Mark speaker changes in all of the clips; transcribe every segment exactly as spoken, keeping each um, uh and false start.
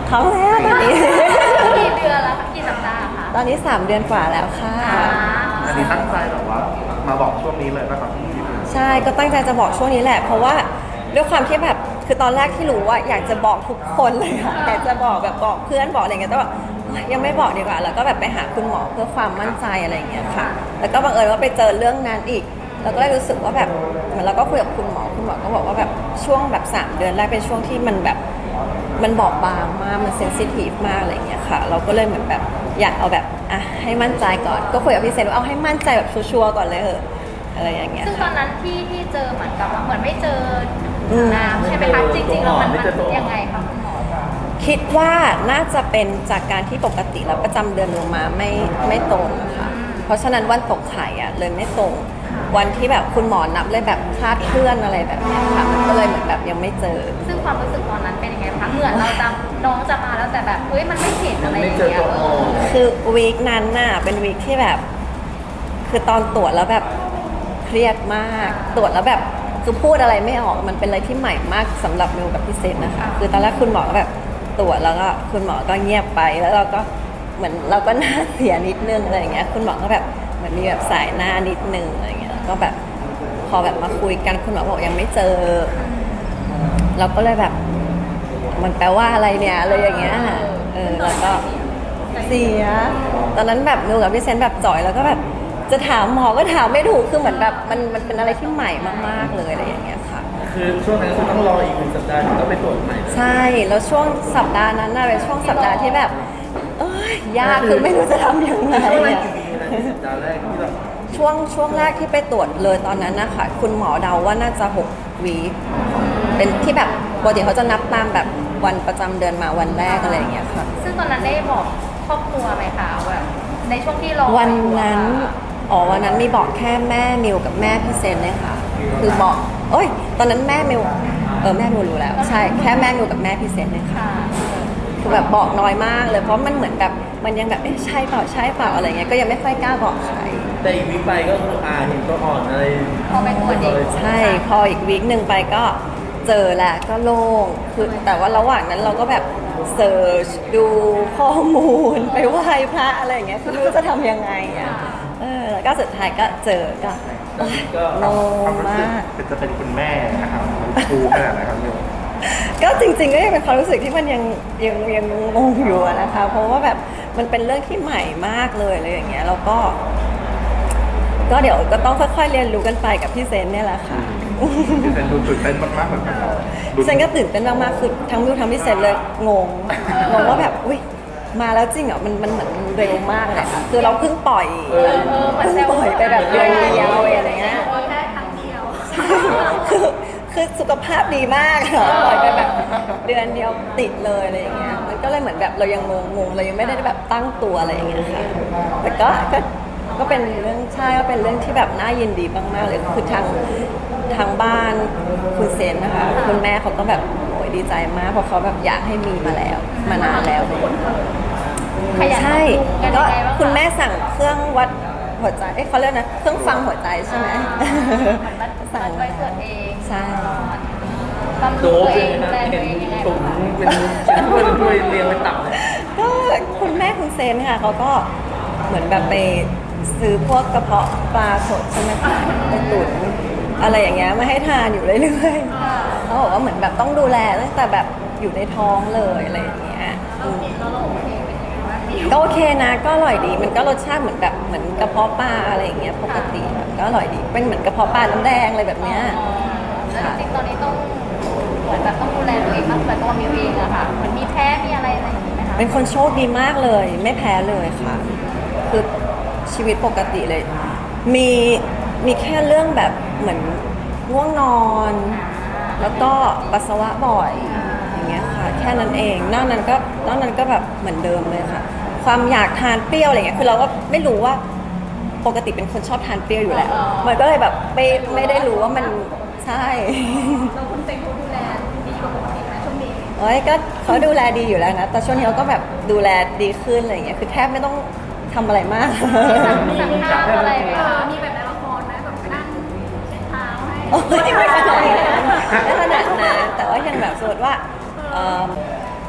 Speaker 1: ท้องแล้วตอนนี้
Speaker 2: กี่เดือนแล้วคะกี่สัปดาห์คะ
Speaker 1: ตอนนี้สามเดือนกว่าแล้วค่ะ
Speaker 3: อันนี้ตั้งใจแบบว่ามาบอกช่วงนี้เลยนะครับ
Speaker 1: ใช่ก็ตั้งใจจะบอกช่วงนี้แหละ เพราะว่าด้วยความที่แบบคือตอนแรกที่รู้ว่าอยากจะบอกทุกคนเลยค่ะอยากจะบอกแบบบอกเพื่อนบอกอะไรเงี้ยแต่ว่ายังไม่บอกดีกว่าแล้วก็แบบไปหาคุณหมอเพื่อความมั่นใจอะไรเงี้ยค่ะแล้วก็บังเอิญว่าไปเจอเรื่องนั้นอีกเราก็เลยรู้สึกว่าแบบเหมือนเราก็คุยกับคุณหมอคุณหมอก็บอกว่าแบบช่วงแบบสามเดือนแรกเป็นช่วงที่มันแบบมันบอบบางมากมันเซนซิทีฟมากอะไรเงี้ยค่ะเราก็เลยเหมือนแบบอยากเอาแบบอ่ะให้มั่นใจก่อนก็คุยกับพี่เซนว่าเอาให้มั่นใจแบบชัวร์ๆก่อนเลยเหอะอะไรอย่างเงี้ย
Speaker 2: ซึ่งตอนนั้นที่ที่เจอเหมือนกับว่าเหมือนไม่เจอน้ำใช่ไหมคะจริงๆแล้วมันมันยังไงคะคุณหมอ
Speaker 1: คิดว่าน่าจะเป็นจากการที่ปกติแล้วประจำเดือนลงมาไม่ไม่ตรงอะค่ะเพราะฉะนั้นวันตกไข่อะเลยไม่ตรงวันที่แบบคุณหมอนับเลยแบบคลาดเคลื่อนอะไรแบบนี้ค่ะมันก็เลยเหมือนแบบยังไม่เจอ
Speaker 2: ซึ่งความรู้สึกตอนนั้นเป็นยังไงคะเหมือนเราจะน้องจะมาแล้วแต่แบบเฮ้ยมันไม่เห็นอะไรอย่างเงี้ยเออ
Speaker 1: คือวีคนั้นน่ะเป็นวีคที่แบบ คือตอนตรวจแล้วแบบเครียดมากตรวจแล้วแบบคือพูดอะไรไม่ออกมันเป็นอะไรที่ใหม่มากสำหรับเมลกับพี่เซนนะคะคือตอนแรกคุณหมอก็แบบตรวจแล้วก็คุณหมอก็เงียบไปแล้วเราก็เหมือนเราก็หน้าเสียนิดนึงอะไรอย่างเงี้ยคุณหมอก็แบบเหมือนมีแบบสายหน้านิดนึงอะไรเงี้ยก็แบบพอแบบมาคุยกันคุณหมอบอกยังไม่เจอเราก็เลยแบบมันแปลว่าอะไรเนี่ยอะไรอย่างเงี้ยเออแล้วก็เสียตอนนั้นแบบเมลกับพี่เซนแบบจ่อยแล้วก็แบบจะถามหมอก็ถามไม่ถูกคือเหมือนแบบมันมันเป็นอะไรที่ใหม่มากๆเลยอะไรอย่างเงี้ยค่ะ
Speaker 3: คือช่วงนั้นคือต้องรออีกหนึ่งสัปดาห์ถึงต้องไปตรวจใหม่
Speaker 1: ใช่แล้วช่วงสัปดาห์นั้นน่ะเป็นช่วงสัปดาห์ที่แบบเอ้ยยากคือไม่รู้จะทำยังไง
Speaker 3: ช่วงแรก
Speaker 1: อะ
Speaker 3: กี่วีนะสัปดาห์แรกที่แบบ
Speaker 1: ช่วงช่วงแรกที่ไปตรวจเลยตอนนั้นนะคะคุณหมอเดาว่าน่าจะหกวีคเป็นที่แบบปกติเขาจะนับตามแบบวันประจำเดือนมาวันแรกอะไรอย่างเงี้ยค่ะ
Speaker 2: ซึ่งตอนนั้นได้บอกครอบครัวไหมคะแบบในช่วงที่รอ
Speaker 1: วันนั้นอ๋อวันนั้นมีบอกแค่แม่มิวกับแม่พี่เซนเลยค่ะคือบอกเอ้ยตอนนั้นแม่มิวเออแม่มิวรู้แล้วใช่แค่แม่มิวกับแม่พี่เซนเลยค่ะ
Speaker 2: ค่ะ
Speaker 1: คือแบบบอกน้อยมากเลยเพราะมันเหมือนแบบมันยังแบบเอ๊ะใช่เปล่าใช่เปล่าอะไรเงี้ยก็ยังไม่ค่อยกล้าบอกใคร
Speaker 3: แต่อีกวีคไปก็คืออ่าเห็นตัวอ่อนอะไร
Speaker 2: พอไปตรวจเอง
Speaker 1: ใช่พออีกวีคหนึ่งไปก็เจอแหละก็โล่งคือแต่ว่าระหว่างนั้นเราก็แบบเซิร์ชดูข้อมูลไปไหว้พระอะไรอย่างเงี้ยคือไม่รู้จะทำยังไงอ่ะเออแล้วก็สุดท้ายก็เจอก็
Speaker 3: ตอนนี้ก็
Speaker 1: โล่งมาก
Speaker 3: เป็นจะเป็นคุณแม่นะครับคูขนาดไหนครับเนี่ย
Speaker 1: ก็จริงๆก็ยังเป็นความรู้สึกที่มันยังยังยังงงอยู่อะนะคะ เพราะว่าแบบมันเป็นเรื่องที่ใหม่มากเลยอะไรอย่างเงี้ยแล้วก็ ก็เดี๋ยวก็ต้องค่อยๆเรียนรู้กันไปกับพี่เซนเนี่ยแหละค่ะ
Speaker 3: พี่เซนดูตื่นเต้นมากๆเหมือนกันครับ
Speaker 1: พี่เซนก็ตื่นเต้นมากๆคือทั้งมิวทั้งพี่เซนเลยงงงงว่าแบบอุ้ยมาแล้วจริงเหรอมันมันเหมือนเร็วมากเลยค่ะคือเราเพิ่งปล่อยเพิ่งปล่อยไปแบบเดือนเดียวอะไรเงี้ย
Speaker 2: แค่ครั้งเดียว
Speaker 1: คือคือสุขภาพดีมากค่ะปล่อยไปแบบเดือนเดียวติดเลยอะไรอย่างเงี้ยมันก็เลยเหมือนแบบเรายังงงงๆเรายังไม่ได้แบบตั้งตัวอะไรอย่างเงี้ยค่ะแต่ก็ก็ก็เป็นเรื่องใช่ก็เป็นเรื่องที่แบบน่ายินดีมากๆเลยคือทางทางบ้านคุณเซนนะคะคุณแม่เขาก็แบบโอ้ยดีใจมากเพราะเขาแบบอยากให้มีมาแล้วมานานแล้ว
Speaker 2: ขยัน
Speaker 1: ใช่
Speaker 2: กัน
Speaker 1: ก็
Speaker 2: ยังไงบ้างะ
Speaker 1: คุณแม่สั่งเครื่องวัดหัวใจเอ้ยเขาเรียกนะเครื่องฟังหัวใจใช่ไหม
Speaker 2: เหมือนมัน
Speaker 1: สั่ง
Speaker 2: ไปตรวจเอง
Speaker 1: ใช่
Speaker 2: บำ
Speaker 3: โด
Speaker 2: รุง
Speaker 3: บ
Speaker 2: ตัว
Speaker 3: เล
Speaker 2: เอย ง
Speaker 3: นะ
Speaker 2: ดูแลตั
Speaker 3: เห็
Speaker 2: วน เองยังไง
Speaker 3: ถุง
Speaker 2: บ้างคะ
Speaker 3: เป็นชิ้นถ้วยเป็นถ้วยเรียงเป็นตับเลย
Speaker 1: ก็คุณแม่คุณเซนค่ะเขาก็เหมือนแบบไปซื้อพวกกระเพาะปลาสดใช่ไหมคะไปตุ๋นอะไรอย่างเงี้ยมาให้ทานอยู่เรื่อยๆเขาบอกว่าเหมือนแบบต้องดูแลตั้งแต่แบบอยู่ในท้องเลยอะไรอย่างเงี้ยอืมก็โอเคนะก็อร่อยดีมันก็รสชาติเหมือนแบบเหมือนกระเพาะปลาอะไรอย่างเงี้ยปกติแบบก็อร่อยดีเป็นเหมือนกระเพาะปลาน้ำแดงอะไรแบบเนี้ย
Speaker 2: แล้วจริงๆตอนนี้ต้องเหมือนแบบต้องดูแลตัวเองมากแต่ตัวมิวเองอะค่ะเหมือนมีแพ้มีอะไรอะไรอย่างนี้ไหมคะ
Speaker 1: เป็นคนโชคดีมากเลยไม่แพ้เลยค่ะ คือชีวิตปกติเลย มีมีแค่เรื่องแบบเหมือนง่วงนอน แล้วก็ปัสสาวะบ่อยอย่างเงี้ยค่ะ แค่นั้นเองนอกนั้นก็นอกนั้นก็แบบเหมือนเดิมเลยค่ะ ความอยากทานเปรี้ยวอะไรเงี้ยคือเราก็ไม่รู้ว่าปกติเป็นคนชอบทานเปรี้ยวอยู่แล้ว มันก็เลยแบบไม่ไม่ได้รู้ว่ามันใช่
Speaker 2: เราคุณเต็งเขาดูแลดีกว่าปกติไหมช่วงนี้
Speaker 1: โอ้ยก็เขาดูแลดีอยู่แล้วนะ แต่ช่วงนี้เขาก็แบบดูแลดีขึ้นอะไรอย่างเงี้ย คือแทบไม่ต้องทำอะไรมาก
Speaker 2: สั่งข้าวอะไรไหมคะมีแบบในละครไหมแบบไปนั่งเช็ดเท้าให้
Speaker 1: โอ้ยไม่ขนาดนั้นไม่ขนาดนั้นแต่ว่ายังแบบสมมติว่าเอิ่ม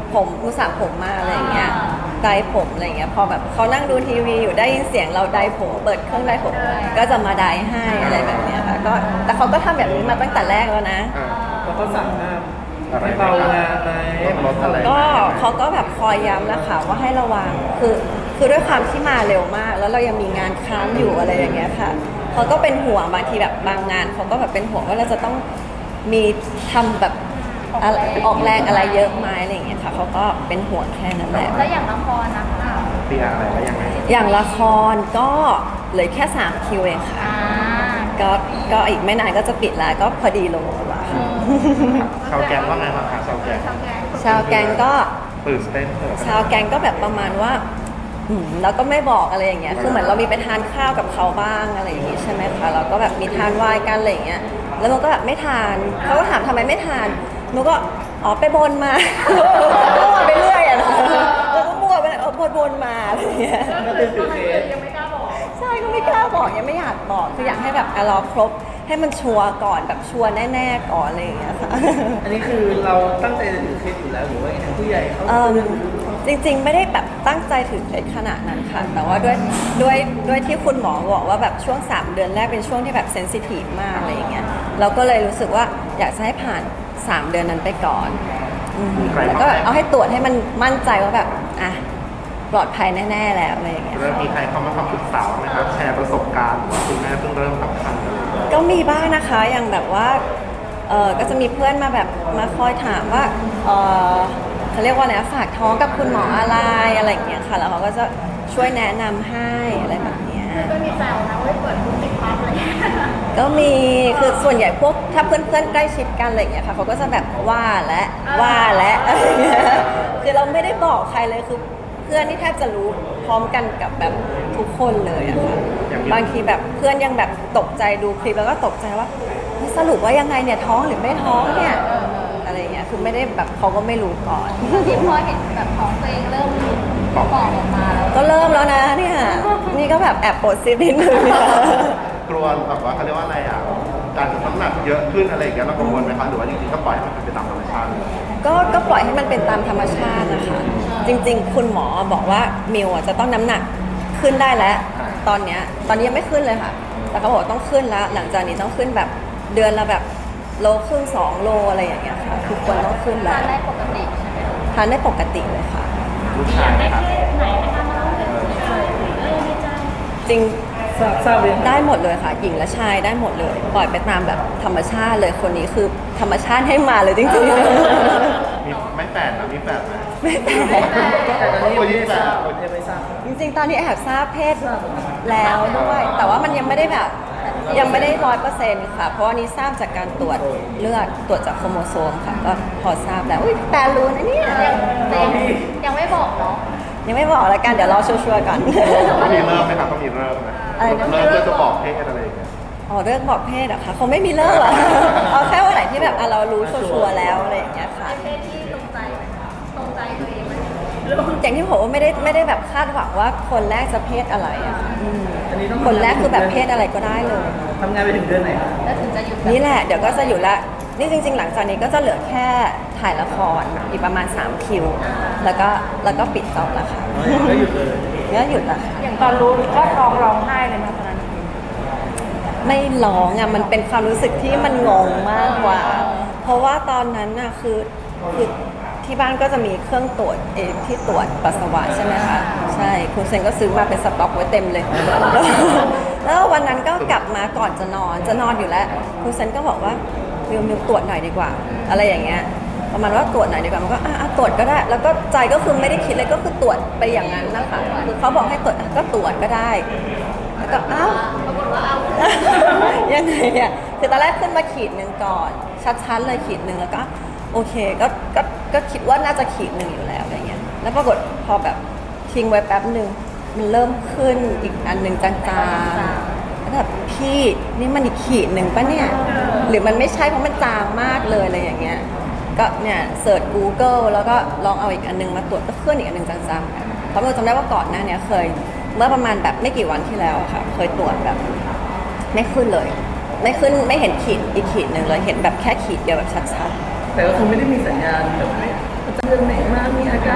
Speaker 1: ผมอุตส่าห์ผมมาอะไรอย่างเงี้ยไดร์ผมอะไรอย่างเงี้ยพอแบบเขานั่งดูทีวีอยู่ได้ยินเสียงเราไดร์ผมเปิดเครื่องไดร์ผมก็จะมาไดร์ให้อะไรแบบเนี้ยค่ะก็แต่เขาก็ทำแบบนี้มาตั้งแต่แรกแล้วนะ
Speaker 3: อ่า
Speaker 4: แล้วเขาสั่งห้าม
Speaker 3: อะไร
Speaker 4: ให้เบางานไหม
Speaker 3: ลดอะไร
Speaker 1: ก็เขาก็แบบคอยย้ำแล้วค่ะว่าให้ระวังคือคือด้วยความที่มาเร็วมาก แล้วเรายังมีงานค้างอยู่อะไรอย่างเงี้ยค่ะเขาก็เป็นห่วงบางทีแบบบางงานเขาก็แบบเป็นห่วงว่าเราจะต้องมีทำแบบอะไรออกแรงอะไรเยอะไหมอะไรอย่างเงี้ยค่ะเขาก็เป็นห่วงแค่นั้นแหละ
Speaker 2: แล้วอย่างละครนะคะ
Speaker 3: เปียอะไรแล้วยังไง
Speaker 1: อย่างละครก็เหลือแค่สามคิวเองค่ะ
Speaker 2: อ่า
Speaker 1: ก็ก็อีกไม่นานก็จะปิดแล้วก็พอดีลงตัวค่ะ
Speaker 3: ชาวแกงว่าไงบ้างคะชาวแกง
Speaker 1: ชาวแกงก็
Speaker 3: ตื่นเต้นเถอะ
Speaker 1: ชาวแกงก็แบบประมาณว่าอืมแล้วก็ไม่บอกอะไรอย่างเงี้ย คือเหมือนเรามีไปทานข้าวกับเขาบ้างอะไรอย่างงี้ใช่ไหมคะ เราก็แบบมีทานไวน์กันอะไรอย่างเงี้ย แล้วมันก็แบบไม่ทาน เขาก็ถามทำไมไม่ทานหนูก็อ๋อไปบนมา มั่วไปเรื่อยอะนะแล้วก็มั่วไปเออบนบนมาอะไรอย่างเงี้ย
Speaker 4: ก็เป็นตื่นเต้น
Speaker 1: ใช่ก็ไม่กล้าบอกยังไม่อยากบอกคืออยากให้แบบอ่ะรอครบให้มันชัวร์ก่อนแบบชัวร์แน่ๆก่อนอะไรอย่างเงี้ยค่ะ
Speaker 4: อันนี้คือเราตั้งใจจะถือเคสอยู่แล้วหรือว่าทางผู้ใหญ่เขา
Speaker 1: เอิ่มจริงๆไม่ได้แบบตั้งใจถึงในขนาดนั้นค่ะ แต่ว่าด้วยด้วยด้วยที่คุณหมอบอกว่าแบบช่วงสามเดือนแรกเป็นช่วงที่แบบเซนซิทีฟมากอะไรอย่างเงี้ยเราก็เลยรู้สึกว่าอยากจะให้ผ่านสามเดือนนั้นไปก่อนอืมแล้วก็เอาให้ตรวจให้มันมั่นใจว่าแบบอ่ะปลอดภัยแน่ๆแล้วอะไรอย่างเงี้ย
Speaker 3: เริ่มมีใครเข้ามาคำปรึกษาไหมครับแชร์ประสบการณ์ว่าคุณแม่เพิ่งเริ่มตั้งครรภ์อะไรอย่างเงี้ย
Speaker 1: ก็มีบ้างนะคะอย่างแบบว่าเออก็จะมีเพื่อนมาแบบมาคอยถามว่าเออเขาเรียกว่าอะไรนะฝากท้องกับคุณหมออะไรอะไรอย่างเงี้ยค่ะแล้วเขาก็จะช่วยแนะนำให้อะไรแบบเนี้ย
Speaker 2: ก็มีแซวนะว่าเปิดคุณติดพับอะไรอย่างเงี้ย
Speaker 1: ก็มีคือส่วนใหญ่พวกถ้าเพื่อนๆใกล้ชิดกันอะไรอย่างเงี้ยค่ะเขาก็จะแบบว่าและว่าและอะไรอย่างเงี้ยคือเราไม่ได้บอกใครเลยคือเพื่อนนี่แทบจะรู้พร้อมกันกับแบบทุกคนเลยอะค่ะบางทีแบบเพื่อนยังแบบตกใจดูคลิปแล้วก็ตกใจว่าเฮ้ยสรุปว่ายังไงเนี่ยท้องหรือไม่ท้องเนี่ยอะไรอย่างเงี้ยคือไม่ได้แบบเขาก็ไม่รู้ก่อน
Speaker 2: ที่พอเห็นแบบของตัวเองเริ่มปอกออกมาแล้ว
Speaker 1: ก็เริ่มแล้วนะเนี่ยนี่ก็แบบแอบปวดซีดนิดนึงเนี่ย
Speaker 3: กลัวแบบว่าเขาเรียกว่าอะไรอ่ะการจะน้ำหนักเยอะขึ้นอะไรอย่างเงี้ยเรากังวลไหมคะหรือว่าจริงๆก็ปล่อยให้มันเป็นไปตามธรรมชาติเลย
Speaker 1: ก็ก็ปล่อยให้มันเป็นตามธรรมชาตินะคะ จริงๆ คุณหมอบอกว่ามิวอ่ะจะต้องน้ำหนักขึ้นได้แล้ว ตอนเนี้ยตอนนี้ยังไม่ขึ้นเลยค่ะ แต่เขาบอกว่าต้องขึ้นแล้ว หลังจากนี้ต้องขึ้นแบบเดือนละแบบโลครึ่งสองโลอะไรอย่างเงี้ยค่ะทุกคนต้องขึ้นแล้
Speaker 2: ทา
Speaker 1: วน
Speaker 2: ได้ปกติใช่ไหม
Speaker 1: ทานได้ปกติเลยค่ะ
Speaker 3: ลูกชายนะครับ
Speaker 2: ไหนนะคะมาเล่าเรื่องเออดีใจ
Speaker 1: จริง
Speaker 4: ทราบทราบเลย
Speaker 1: ได้หมดเลยค่ะ หญิงและชายได้หมดเลย ปล่อยไปตามแบบธรรมชาติเลยคนนี้คือธรรมชาติให้มาเลยจริงๆ
Speaker 3: มีไม่แฝดนะมีแฝดไหม
Speaker 1: ไม่แปลก
Speaker 4: แต่ตอนนี้ยังไม่ทราบยังไม่ทราบ
Speaker 1: จริงๆ ตอนนี้แอบทราบเพศแล้วด้วย แต่ว่ามันยังไม่ได้แบบยังไม่ได้ร้อยเปอร์เซ็นต์ค่ะ เพราะว่านี้ทราบจากการตรวจเลือดตรวจจากโครโมโซมค่ะ ก็พอทราบแล้ว อุ้ยแปลรู้นะเนี่ย
Speaker 2: ยังยังยังไม่บอกเนาะ
Speaker 1: ยังไม่บอกแล้วกัน เดี๋ยวรอชัวร์ๆก่อน
Speaker 3: ต้องมีเริ่มไหมครับต้องมีเริ่มไหม
Speaker 1: อะไรนะ
Speaker 3: เริ่มเพื่อจะบอกเพศอะไรอย่างเงี้ย
Speaker 1: อ๋อเรื่องบอกเพศเหรอะคะเขาไม่มีเลิกหรอกเอาแค่วันไหนที่แบบอ่ะเรารู้ชัวร์ๆแล้วอะไรอย่างเงี้ยค่ะ
Speaker 2: เพศที่ตรงใจไหมคะตรงใจตัวเองไหม
Speaker 1: อย่างที่ผมว่าไม่ได้ไม่ได้แบบคาดหวังว่าคนแรกจะเพศอะไรอะค่ะอืม
Speaker 4: อันนี้ต้อง
Speaker 1: คนแรกคือแบบเพศอะไรก็ได้เลย
Speaker 4: ทำงานไปถึงเดือนไหนครับ
Speaker 2: แล้วถึงจะหยุด
Speaker 1: นี่แหละเดี๋ยวก็จะอยู่ละนี่จริง ๆ หลังจากนี้ก็จะเหลือแค่ถ่ายละครอีกประมาณสามคิว แล้วก็แล้วก็ปิดจอบแล้วค่ะ
Speaker 4: ก็หยุดเลย
Speaker 1: ก็หยุดละค่ะ
Speaker 2: อย่างตอนรู้ก็ท้องร้องไห้เลยนะตอนนั้น
Speaker 1: ไม่ร้องอ่ะมันเป็นความรู้สึกที่มันงงมากกว่า เพราะว่าตอนนั้นน่ะคือคือที่บ้านก็จะมีเครื่องตรวจเองที่ตรวจปัสสาวะใช่ไหมคะใช่คุณเซนก็ซื้อมาเป็นสต็อกไว้เต็มเลย แล้วแล้ววันนั้นก็กลับมาก่อนจะนอนจะนอนอยู่แล้วคุณเซนก็บอกว่ามิวมิวตรวจหน่อยดีกว่า อะไรอย่างเงี้ยประมาณว่าตรวจหน่อยดีกว่ามันก็อ่ะอ่ะตรวจก็ได้ แล้วก็ใจก็คือไม่ได้คิดเลยก็คือตรวจไปอย่างนั้นนะคะคือเขาบอกให้ตรวจอ่ะก็ตรวจก็ได้ แล้วก็อ้าว
Speaker 2: ปรากฏว่าเอา
Speaker 1: ยังไงอ่ะคือตอนแรกขึ้นมาขีดหนึ่งก่อน ชัดๆเลยขีดหนึ่งแล้วก็โอเคก็ก็ก็คิดว่าน่าจะขีดหนึ่งอยู่แล้วอะไรเงี้ยแล้วปรากฏพอแบบทิ้งไว้แป๊บหนึ่งมันเริ่มขึ้นอีกอันหนึ่งจางๆแล้วแบบพี่นี่มันอีกขีดหนึ่งปะเนี่ยหรือมันไม่ใช่เพราะมันจางมากเลยอะไรอย่างเงี้ยก็เนี่ยเสิร์ช Google แล้วก็ลองเอาอีกอันหนึงมาตรวจก็ขึ้นอีกอันหนึ่งจางๆเพราะเราจำได้ว่าก่อนหน้าเนี้ยเคยเมื่อประมาณแบบไม่กี่วันที่แล้วอะค่ะเคยตรวจแบบ ไม่ขึ้นเลย ไม่ขึ้นไม่เห็นขีดอีกขีดหนึ่งเลยเห็นแบบแค่ขีดเดียวแบบชัด
Speaker 4: แต่ก็คือไม่ได้มีสัญญาณแบบไม่จะเดือนไหนมามี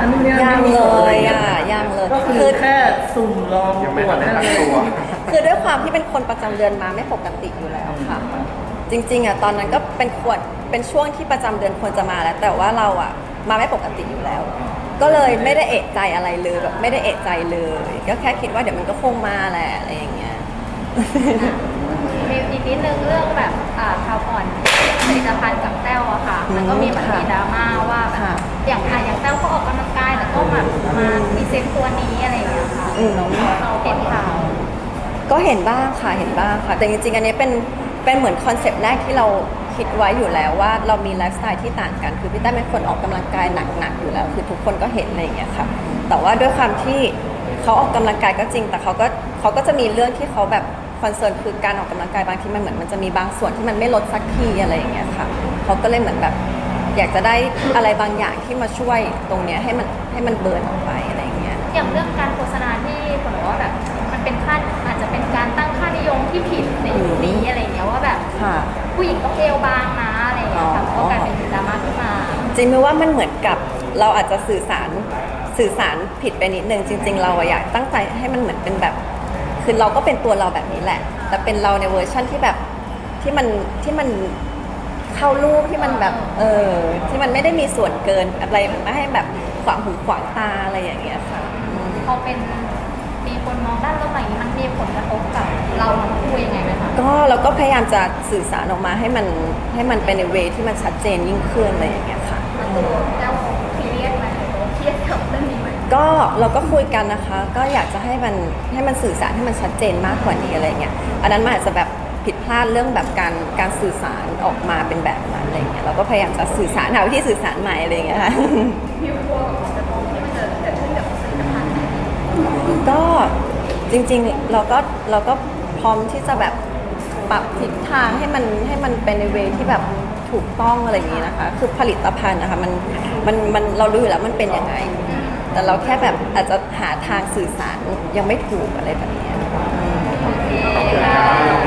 Speaker 4: นู่นนี่
Speaker 1: ยัง
Speaker 4: ไม่มี
Speaker 1: เล
Speaker 4: ผอะไร
Speaker 1: ย
Speaker 4: งี้
Speaker 1: อ่ะยังเลย
Speaker 4: ก็คือแค่สุ่มลอง
Speaker 3: ยัง
Speaker 4: ต
Speaker 3: ไม่
Speaker 4: รว
Speaker 3: ทั
Speaker 4: จ
Speaker 3: นได้
Speaker 4: นั่น
Speaker 3: ตั้ง
Speaker 4: เอง
Speaker 3: ตัว
Speaker 1: คือด้วยความที่เป็นคนประจำเดือนมาไม่ปกติอยู่แล้วค่ะ จริงๆอ่ะตอนนั้นก็เป็นควรเป็นช่วงที่ประจำเดือนควรจะมาแล้ว แต่ว่าเราอ่ะมาไม่ปกติอยู่แล้ว ก็เลยไม่ได้เอะใจอะไรเลยแบบไม่ได้เอะใจเลย ก็แค่คิดว่าเดี๋ยวมันก็คงมาแหละอะไรอย่างเงี้ย
Speaker 2: มีอีกนิดนึงเรื่องแบบอ่าคราวก่อนผลิตภัณฑ์กับแต้วอะค่ะ มันก็มีเหมือนมีดราม่าว่าแบบ
Speaker 1: ค่ะ
Speaker 2: อย่างอ่ะอย่างแต้วก็ออกกำลังกายแต่ก็แบบมาพรีเซนต์ตัวนี้อะไรอย่างเงี้ยค่ะ
Speaker 1: อืม
Speaker 2: เราเราเห็นข่าว
Speaker 1: ก็เห็นบ้างค่ะ เห็นบ้างค่ะ แต่จริงๆ อันนี้เป็น เป็นเหมือนคอนเซปต์แรกที่เราคิดไว้อยู่แล้วว่าเรามีไลฟ์สไตล์ที่ต่างกัน คือพี่แต้มเป็นคนออกกำลังกายหนักๆ อยู่แล้ว คือทุกคนก็เห็นอะไรอย่างเงี้ยค่ะ แต่ว่าด้วยความที่เขาออกกำลังกายก็จริง แต่เขาก็เขาก็จะมีเรื่องที่เขาแบบคอนเซิร์นคือการออกกำลังกายบางทีมันเหมือนมันจะมีบางส่วนที่มันไม่ลดสักทีอะไรอย่างเงี้ยค่ะ เขาก็เลยเหมือนแบบอยากจะได้อะไรบางอย่างที่มาช่วยตรงเนี้ยให้มันให้มันเบิร์นออกไปอะไรอย่างเงี้ย
Speaker 2: อย่างเรื่องการโฆษณาที่คนบอกว่าแบบมันเป็นค่าอาจจะเป็นการตั้งค่านิยมที่ผิดในยุคนี้อะไรอย่างเงี้ยว่าแบบ
Speaker 1: ค่ะ
Speaker 2: ผู้หญิงต้องเอวบางนะอะไรอย่างเงี้ยค่ะ
Speaker 1: อ๋อ
Speaker 2: ก็กลายเป็นดราม่าขึ้นมา
Speaker 1: จริงไหมว่ามันเหมือนกับเราอาจจะสื่อสารสื่อสารผิดไปนิดนึงจริง ๆ เราอะอยากตั้งใจให้มันเหมือนเป็นแบบคือเราก็เป็นตัวเราแบบนี้แหละ แต่เป็นเราในเวอร์ชั่นที่แบบที่มันที่มันเข้ารูปที่มันแบบเออที่มันไม่ได้มีส่วนเกินอะไรไม่ให้แบบขวางหูขวางตาอะไรอย่างเงี้ยค่ะอืม
Speaker 2: พอเป็นมีคนมองด้านลบอย่างนี้มันมีผลกระทบกับเราทั้งคู่ยังไงไหมคะ
Speaker 1: ก็เราก็พยายามจะสื่อสารออกมาให้มันให้มันเป็นในเวที่มันชัดเจนยิ่งขึ้นอะไรอย่างเงี้ยค่ะ
Speaker 2: แล้วซีเรียสไหมเครียดกับเรื่องนี้ไหม
Speaker 1: ก็เราก็คุยกันนะคะ ก็อยากจะให้มันให้มันสื่อสารให้มันชัดเจนมากกว่านี้อะไรเงี้ยอันนั้นมันอาจจะแบบผิดพลาดเรื่องแบบการการสื่อสารออกมาเป็นแบบนั้นอะไรเงี้ยเราก็พยายามจะสื่อสารหาวิธีสื่อสารใหม่อะไรเงี้ยค่ะ
Speaker 2: มีกลัวกับผลกระทบที่มันจะเกิดขึ้นกับผลิตภัณฑ์ไหม
Speaker 1: ก็จริงๆเราก็เราก็พร้อมที่จะแบบปรับทิศทางให้มันให้มันเป็นในเวที่แบบถูกต้องอะไรอย่างนี้นะคะ คือผลิตภัณฑ์นะคะมันมันมันเรารู้อยู่แล้วมันเป็นยังไง แต่เราแค่แบบอาจจะหาทางสื่อสารยังไม่ถูกอะไรแบบเนี้ย
Speaker 2: โอเคค่ะ